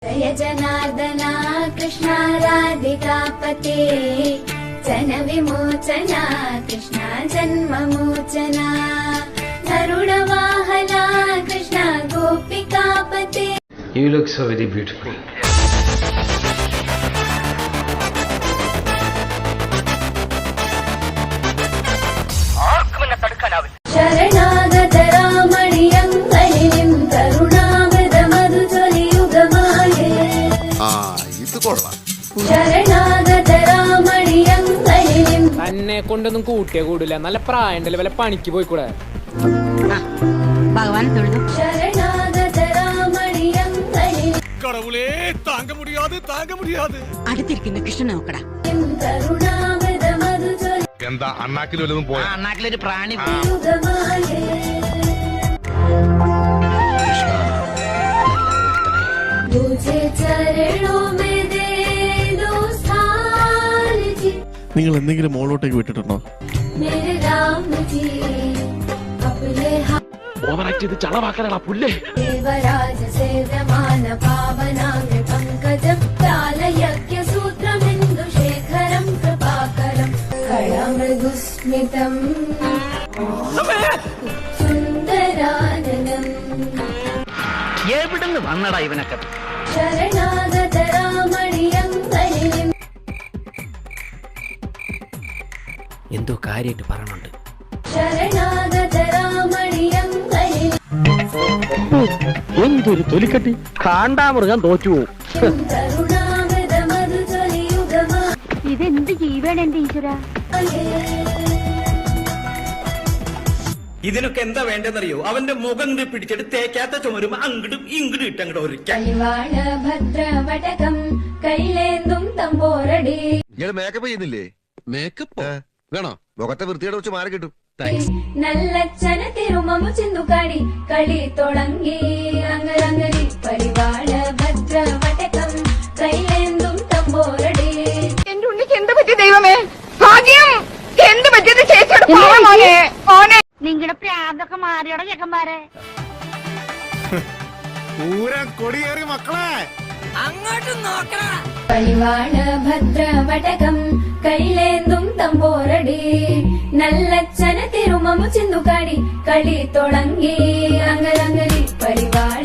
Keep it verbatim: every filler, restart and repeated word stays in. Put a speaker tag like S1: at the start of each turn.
S1: जय जनार्दना कृष्ण राधिकापते जन विमोचना Krishna जन्ममोचना गरुडवाहना Krishna गोपिकापते.
S2: You look so very beautiful.
S1: शरणागत रामणियङ्गलिं करुणामृत मधुजलियुगमाये. ശരണാഗത രാമണിയങ്കളിലും
S3: എന്നെ കൊണ്ടൊന്നും കൂട്ടിയേ കൂടില്ല. നല്ല പ്രായണ്ടല്ലേ, വല്ല പണിക്ക് പോയിക്കൂടെ?
S4: ഭഗവാൻ തൊഴുതു.
S1: ശരണാഗത രാമണിയങ്കളിലും
S5: കടവുളേ താങ്ക മുടിയാതെ താങ്ക മുടിയാതെ
S4: അടുത്തിരിക്കുന്ന കൃഷ്ണൻ നോക്കടാ.
S1: കരുണാമൃത മധുജലിയുഗമായേ.
S5: എന്താ അണ്ണാക്കിൽ വല്ലതും പോയ
S4: അണ്ണാക്കിലൊരു പ്രാണി.
S1: तुझे चरणों में दे दो स्थान जी.
S6: നിങ്ങൾ എന്തെങ്കിലും മോളോട്ടേക്ക് വിട്ടിട്ടുണ്ടോ?
S1: मेरे राम जी अपने
S5: ഓവറാക്ട് ചെയ്ത് ചളവാക്കാനാ പുല്ലേ.
S1: देवराज सेव्यमान पावनांग पंकजं कालयज्ञ सूत्रमिन्दु शेखरं कृपाकरं कळमृदुस्मितं सुन्दराननम्.
S4: എവിടുന്ന് വന്നടാ ഇവനൊക്കെ?
S1: ശരണാഗത രാമണിയങ്കളിലും
S3: എന്തോ കാര്യമായിട്ട് പറയണുണ്ട്.
S1: ശരണാഗത രാമണിയങ്കളിലും
S3: എന്തൊരു തൊലിക്കട്ടി! കാണ്ടാമൃഗം തോറ്റു പോവും.
S1: കരുണാമൃത മധുജലിയുഗമായേ.
S4: ഇതെന്ത് ജീവൻ എന്റെ ഈശ്വര.
S7: ഇതിനൊക്കെ എന്താ വേണ്ടെന്നറിയോ? അവന്റെ മുഖം പിടിച്ചിട്ട് തേക്കാത്ത ചുമരും അങ്ങടും ഇങ്ങടും ഇട്ടങ്ങോട്ട് ഒരിക്കൽ
S1: കൈവാണ ഭദ്രവടകം കൈലേന്തും തമ്പോരടി.
S8: മേക്കപ്പ് ചെയ്യുന്നില്ലേ?
S6: മേക്കപ്പ് വേണോ?
S8: മുഖത്തെ വൃത്തിയുടെ വെച്ച് മാറി കിട്ടും.
S1: നല്ലച്ചന തിരുമമു ചിന്തുകാടി കളി തുടങ്ങി അങ്കരങ്കരി പരിവാള ഭദ്രവടകം കൈലേന്തും തമ്പോരടി.
S9: എന്റെ ഉണ്ണിക്ക് എന്ത് പറ്റി ദൈവമേ? ഭാഗ്യം എന്ത് പറ്റിയത് ചേച്ചിയുടെ മോനെ മോനെ.
S4: നിങ്ങളുടെ പ്രാന്തൊക്കെ മാറിയോടെ ചെക്കന്മാരെ.
S5: പൂരം കൊടിയേറി മക്കളെ
S4: അങ്ങോട്ട് നോക്കണ.
S1: പരിവാള ഭദ്രവടകം കൈലേന്തും തമ്പോരടി നല്ലച്ചന തിരുമമു ചിന്തുകാടി കളി തുടങ്ങി അങ്കരങ്കരി പരിവാള